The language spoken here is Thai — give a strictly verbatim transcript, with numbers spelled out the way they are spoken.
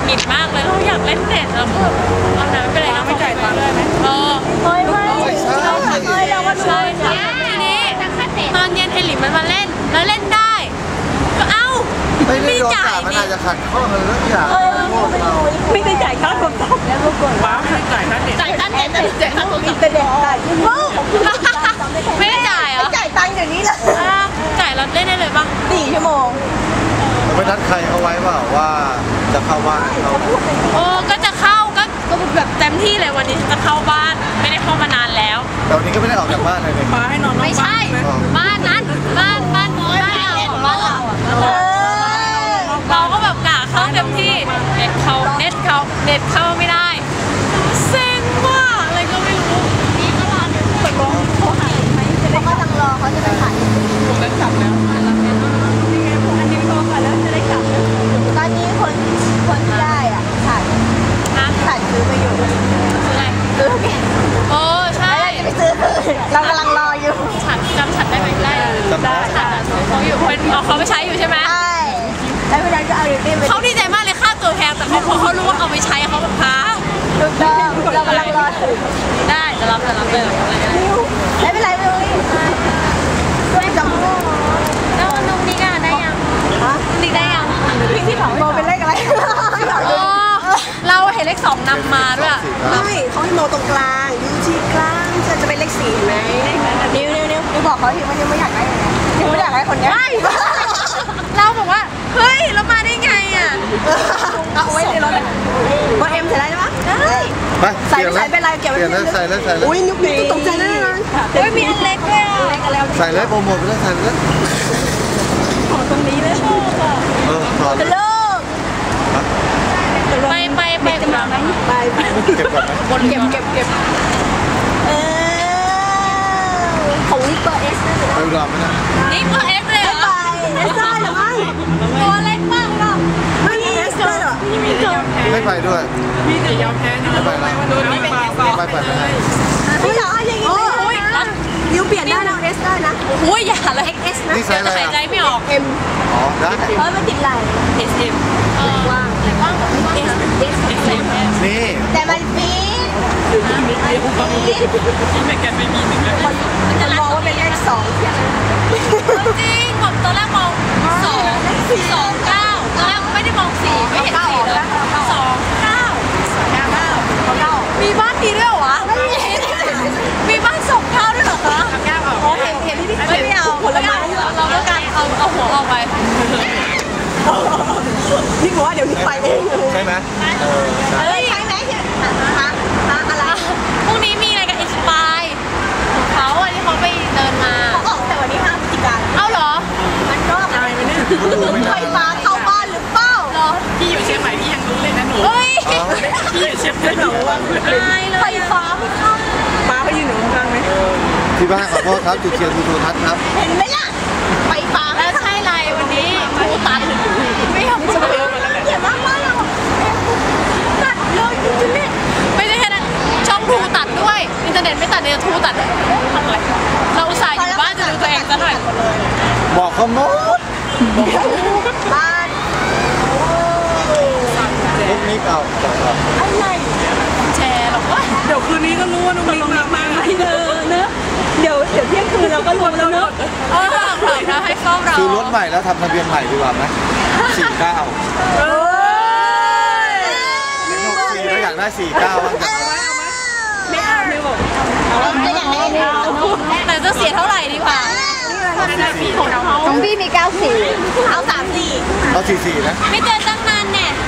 หงิดมากเลยเราอยากเล่นเน็ตแล้วก็เอาน้ำไปเลยนะไม่จ่ายตังค์เลยไหมเออเฮ้ยไม่ใช่เฮ้ยเราก็ใช่ทีนี้ตอนเย็นเฮลิมันมาเล่นแล้วเล่นได้ก็เอ้าไม่จ่ายมันอาจจะขัดข้องอะไรสักอย่างไม่ได้จ่ายค่าโทรศัพท์แล้วก็กดว้าวไม่ได้จ่ายค่าเน็ตจ่ายค่าเน็ตจ่ายค่าโทรศัพท์แต่เด็กจ่ายไม่ได้จ่ายเหรอจ่ายตังค์เดี๋ยวนี้เลยจ่ายแล้วเล่นได้เลยป่ะสี่ชั่วโมงไปนัดใครเอาไว้เปล่าว่าจะเข้าบ้านเขาโอ้ก็จะเข้าก็ก็แบบเต็มที่เลยวันนี้จะเข้าบ้านไม่ได้เข้ามานานแล้วแต่วันนี้ก็ไม่ได้ออกจากบ้านเลยมาให้นอนไม่ใช่บ้านนั้นบ้านบ้านน้อยบ้านเราบ้านเราเราก็แบบกะเข้าเต็มที่เน็ตเขาเน็ตเขาเน็ตเข้าไม่ได้เซ็งว่าอะไรก็ไม่รู้นี่ก็รอเดี๋ยวเปิดลงเขาหายไหมเขาก็ต้องรอเขาจะไปถ่ายผมจะกลับแล้วอันนี้รอก่อนแล้วจะได้กลับตอนนี้คนคนที่ได้อ่ะถ่ายถ่ายซื้อไปอยู่ซื้ออะไรซื้อแกโอ้ใช่จะไปซื้อเรากำลังรออยู่ฉันจำฉันได้ไหมได้ได้ฉันเขาอยู่เป็นเขาไม่ใช้อยู่ใช่ไหมใช่แล้วเวลาจะเอาเรื่องเขาดีใจมากเลยค่าตัวแพงแต่เขาพอเขารู้ว่าเอาไปใช้เขาแบบพ้าถูกต้องเรากำลังรอได้จะรับจะรับเลยไม่เป็นไรเลยด้วยจำแล้วน้องนิกอะได้ยังนิกได้ยังพี่ที่ถามโมเป็นเลขอะไรเราเห็นเลขสองนำมาด้วยไม่เขาให้โมตรงกลางยูทีกลางจะจะเป็นเลขสี่ไหมนิ้วนิ้วนิ้วนิ้วบอกเขาทีว่านิ้วไม่อยากได้อะไรนิ้วไม่อยากได้คนนี้เราบอกว่าเฮ้ยเรามาได้ไงอ่ะเอาไว้ในรถเลยโมเอ็มใส่ได้ไหมได้ไปใส่ใส่เป็นไรเกี่ยวกับใส่แล้วใส่แล้วอุ้ยนิ้วนิ้วตกใจแน่นอนเฮ้ยมีอันเล็กด้วยอ่ะใส่แล้วโปรโมทไปแล้วใส่แล้วขอตรงนี้เลยชอบอ่ะเออขอจะเลิกไปไปไปจะมาไหมไปไปเก็บก่อนไหมบนเก็บเก็บเก็บเออของนิเปอร์เอสนะไปอุดรไหมนะนิเปอร์เอสเลยเหรอเอสได้หรือไม่ตัวเล็กมากหรอไม่เอสได้หรอไม่ไปด้วยมีแต่ยอมแพ้ไม่ไปแล้วไม่ไปไปไปไม่ได้พี่เหรออย่างนี้นิ้วเปลี่ยนได้นะเอสได้นะโอ้ยอย่าเลยเอ็กเอสนะนี่ใส่อะไรหายใจไม่ออกเอ็มอ๋อได้เฮ้ยมันติดไหลเอสเอ็มว่างไหนว่างเอสเอสเอ็มนี่แต่มันปี๊ดนี่ไม่แกไม่มีหนึ่งเลยมันมองว่าเป็นเลขสองจริงผมตอนแรกมองสองสองเก้าตอนแรกไม่ได้มองสี่ไม่เห็นสี่เลยสองเก้าสองเก้าเก้ามีบ้านดีด้วยเหรอวะมีบ้านสองเก้าด้วยเหรอคะเก้าเอาเห็นเห็นที่พี่ไม่เอาผลไม้เราต้องการเอาเอาหัวออกไปนี่บอกว่าเดี๋ยวนี้ไปเองใช่ไหมเฮ้ยใช่ไหมฮะฮะอะไรพรุ่งนี้มีอะไรกับอินสปายของเขาอ่ะที่เขาไปเดินมาเขาออกแต่วันที่ห้าพฤศจิกายนเอ้าเหรอมันก็ไฟฟ้าเข้าบ้านหรือเปล่าเหรอพี่อยู่เชียงใหม่พี่ยังรู้เลยนะหนูเฮ้ยพี่อยู่เชียงใหม่หนูว่าไฟฟ้าไม่เข้าป้าเขายืนอยู่ข้างไหมที่บ้านขอโทษครับจุดเทียนดูโทรทัศน์ครับเห็นไหมล่ะไฟฟ้าแล้วใช่ไรวันนี้ทูตัดไม่ยอมจะเปิดเขียนมากมากเราตัดเลยจริงๆเนี่ยไม่ได้แค่นั้นช่องทูตัดด้วยอินเทอร์เน็ตไม่ตัดเนี่ยทูตัดอะไรเราอุตส่าห์อยู่บ้านจะดูตัวเองซะหน่อยบอกเขาหมดบ้านลูกนี้เก่าอะไรแชร์หรอกว่าเดี๋ยวคืนนี้ก็รู้ว่าน้องมิ้งมาไหมเนอะเนอะเดี๋ยวเดี๋ยวเที่ยงคืนเราก็รวมแล้วเนอะเออเผื่อนะให้เฝ้ารอซื้อรถใหม่แล้วทำทะเบียนใหม่ดีกว่าไหมสี่เก้าเออหกสี่แล้วอยากได้สี่เก้าบ้างกันไม่เอาไม่บอกจะอยากได้แต่จะเสียเท่าไหร่ดีกว่าของพี่มีเก้าสี่เอาสามสี่เอาสี่สี่นะไม่เจอตั้งนานเนี่ย